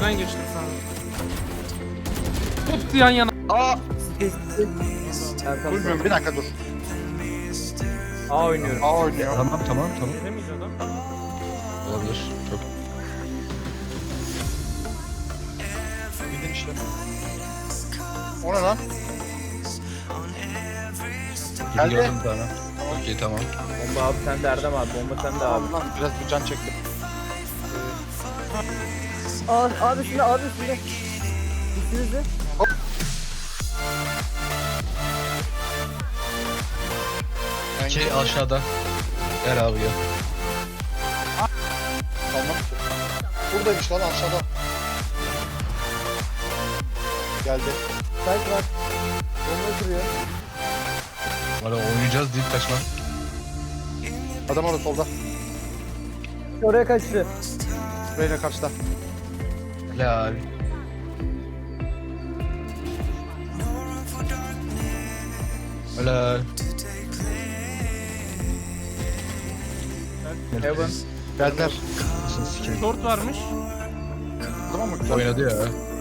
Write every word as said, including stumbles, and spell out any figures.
içinden geçtim sanırım. Tuttu yan yana. Aa! Erkan Duymuyorum, bir dakika dur. A oynuyorum. A oynuyor. Tamam tamam tamam. Ne miydi adam? Olabilir. Çok. Bildin işte. O ne lan? Gibi Geldi. gördüm bir tane. Okey tamam. Bomba abi sende Erdem abi. Bomba sende abi. Abi lan biraz bir can çektim. Abi, abi üstünde abi üstünde. Üstünüzde. İki aşağıda. Ver abi ya. Tamam. Buradaymış lan aşağıda. Geldi. Site var. Bomba kırıyor. Valla oynayacağız deyip kaçma. Adam orada solda. Oraya kaçtı. Reyna karşıda. La abi. Helal. Heaven. Geldiler. Nasıl sikeyim. Short varmış. Tamam mı? Güzel. Oynadı ya.